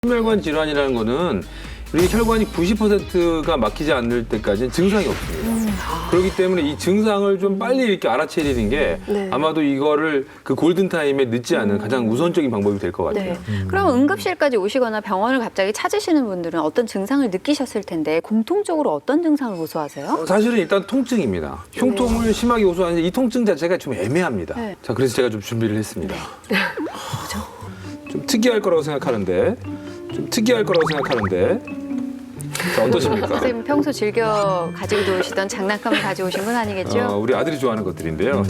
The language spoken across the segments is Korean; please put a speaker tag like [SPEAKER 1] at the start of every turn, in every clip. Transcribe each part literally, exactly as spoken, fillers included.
[SPEAKER 1] 심혈관 질환이라는 거는 우리 혈관이 구십 퍼센트가 막히지 않을 때까지는 증상이 없습니다. 음. 그렇기 때문에 이 증상을 좀 빨리 이렇게 알아채리는 게 네. 아마도 이거를 그 골든타임에 늦지 않은 가장 우선적인 방법이 될 것 같아요.
[SPEAKER 2] 네. 음. 그럼 응급실까지 오시거나 병원을 갑자기 찾으시는 분들은 어떤 증상을 느끼셨을 텐데 공통적으로 어떤 증상을 호소하세요?
[SPEAKER 1] 어, 사실은 일단 통증입니다. 흉통을 네. 심하게 호소하는데 이 통증 자체가 좀 애매합니다. 네. 자, 그래서 제가 좀 준비를 했습니다.
[SPEAKER 2] 네.
[SPEAKER 1] 좀 특이할 거라고 생각하는데 좀 특이할 거라고 생각하는데 자, 어떠십니까?
[SPEAKER 2] 선생님 평소 즐겨 가지고 노시던 장난감을 가져오신 건 아니겠죠?
[SPEAKER 1] 어, 우리 아들이 좋아하는 것들인데요.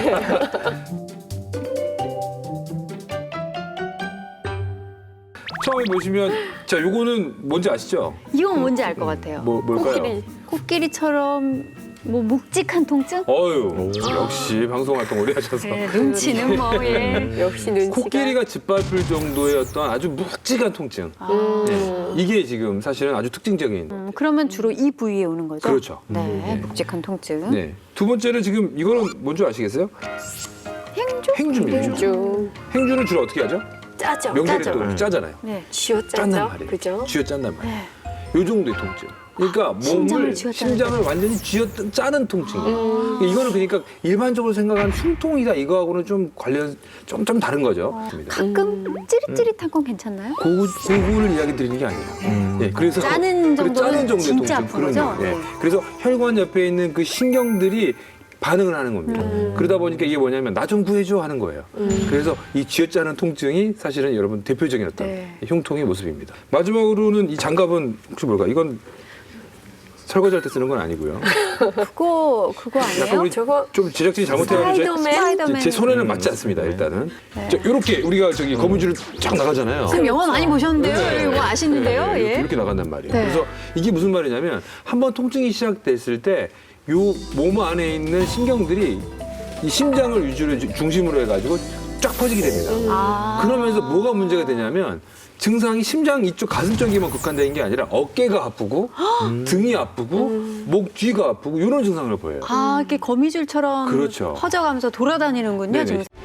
[SPEAKER 1] 처음에 보시면 자, 요거는 뭔지 아시죠?
[SPEAKER 2] 이건 뭔지 알 것 같아요.
[SPEAKER 1] 뭐, 뭘까요?
[SPEAKER 2] 코끼리. 코끼리처럼 뭐 묵직한 통증?
[SPEAKER 1] 어유 역시 방송 활동 오래 하셔서
[SPEAKER 2] 네, 눈치는 뭐 예.
[SPEAKER 3] 역시 눈치가.
[SPEAKER 1] 코끼리가 짓밟을 정도의 어떤 아주 묵직한 통증.
[SPEAKER 2] 아.
[SPEAKER 1] 네. 이게 지금 사실은 아주 특징적인.
[SPEAKER 2] 음, 그러면 주로 이 부위에 오는 거죠?
[SPEAKER 1] 그렇죠.
[SPEAKER 2] 네,
[SPEAKER 1] 네.
[SPEAKER 2] 묵직한 통증.
[SPEAKER 1] 네. 두 번째는 지금 이거는 뭔지 아시겠어요?
[SPEAKER 2] 행주?
[SPEAKER 1] 행주입니다. 행주.
[SPEAKER 3] 좀
[SPEAKER 1] 행주는 주로 어떻게 하죠?
[SPEAKER 3] 짜죠.
[SPEAKER 1] 명절에
[SPEAKER 2] 짜죠.
[SPEAKER 1] 또 이렇게 짜잖아요.
[SPEAKER 2] 네.
[SPEAKER 3] 쥐어
[SPEAKER 1] 짠단
[SPEAKER 3] 짜죠.
[SPEAKER 1] 말이에요.
[SPEAKER 3] 그죠?
[SPEAKER 1] 쥐어 짠단 말이에요.
[SPEAKER 2] 네.
[SPEAKER 1] 요 정도의 통증. 그러니까
[SPEAKER 2] 심장을
[SPEAKER 1] 몸을
[SPEAKER 2] 쥐어짜는
[SPEAKER 1] 심장을 완전히 쥐어 짜는 통증이에요. 이거는 그러니까 일반적으로 생각하는 흉통이다 이거하고는 좀 관련 좀 좀 다른 거죠.
[SPEAKER 2] 어,
[SPEAKER 1] 맞습니다.
[SPEAKER 2] 가끔 찌릿찌릿한 건 괜찮나요?
[SPEAKER 1] 고구, 고구를 이야기 드리는 게 아니에요. 예, 그래서
[SPEAKER 2] 짜는
[SPEAKER 1] 그래,
[SPEAKER 2] 정도는
[SPEAKER 1] 짜는 정도의
[SPEAKER 2] 진짜
[SPEAKER 1] 통증,
[SPEAKER 2] 아픈
[SPEAKER 1] 그런
[SPEAKER 2] 거죠?
[SPEAKER 1] 거. 예.
[SPEAKER 2] 네.
[SPEAKER 1] 그래서 혈관 옆에 있는 그 신경들이 반응을 하는 겁니다.
[SPEAKER 2] 음.
[SPEAKER 1] 그러다 보니까 이게 뭐냐면 나 좀 구해줘 하는 거예요.
[SPEAKER 2] 음.
[SPEAKER 1] 그래서 이 쥐어짜는 통증이 사실은 여러분 대표적인 어떤
[SPEAKER 2] 네.
[SPEAKER 1] 흉통의 모습입니다. 마지막으로는 이 장갑은 혹시 뭘까? 이건 설거지할 때 쓰는 건 아니고요.
[SPEAKER 2] 그거 그거
[SPEAKER 1] 약간
[SPEAKER 2] 아니에요?
[SPEAKER 1] 우리
[SPEAKER 3] 저거
[SPEAKER 1] 좀 제작진이 잘못해가지고 제-
[SPEAKER 2] 스파이더맨.
[SPEAKER 1] 제 손에는 맞지 않습니다. 일단은 자, 이렇게 우리가 저기 거문줄을 쫙 나가잖아요.
[SPEAKER 2] 선생님 영화 많이 보셨는데요? 이거 아시는데요?
[SPEAKER 1] 네, 이렇게,
[SPEAKER 2] 예.
[SPEAKER 1] 이렇게 나간단 말이에요.
[SPEAKER 2] 네.
[SPEAKER 1] 그래서 이게 무슨 말이냐면 한번 통증이 시작됐을 때 요 몸 안에 있는 신경들이 이 심장을 위주로 중심으로 해가지고 쫙 퍼지게 됩니다.
[SPEAKER 2] 아.
[SPEAKER 1] 그러면서 뭐가 문제가 되냐면 증상이 심장 이쪽 가슴 쪽에만 국한되는 게 아니라 어깨가 아프고 등이 아프고 목 뒤가 아프고 이런 증상을 보여요.
[SPEAKER 2] 아, 이렇게 거미줄처럼
[SPEAKER 1] 그렇죠.
[SPEAKER 2] 퍼져가면서 돌아다니는군요.
[SPEAKER 1] 네네.
[SPEAKER 2] 증상.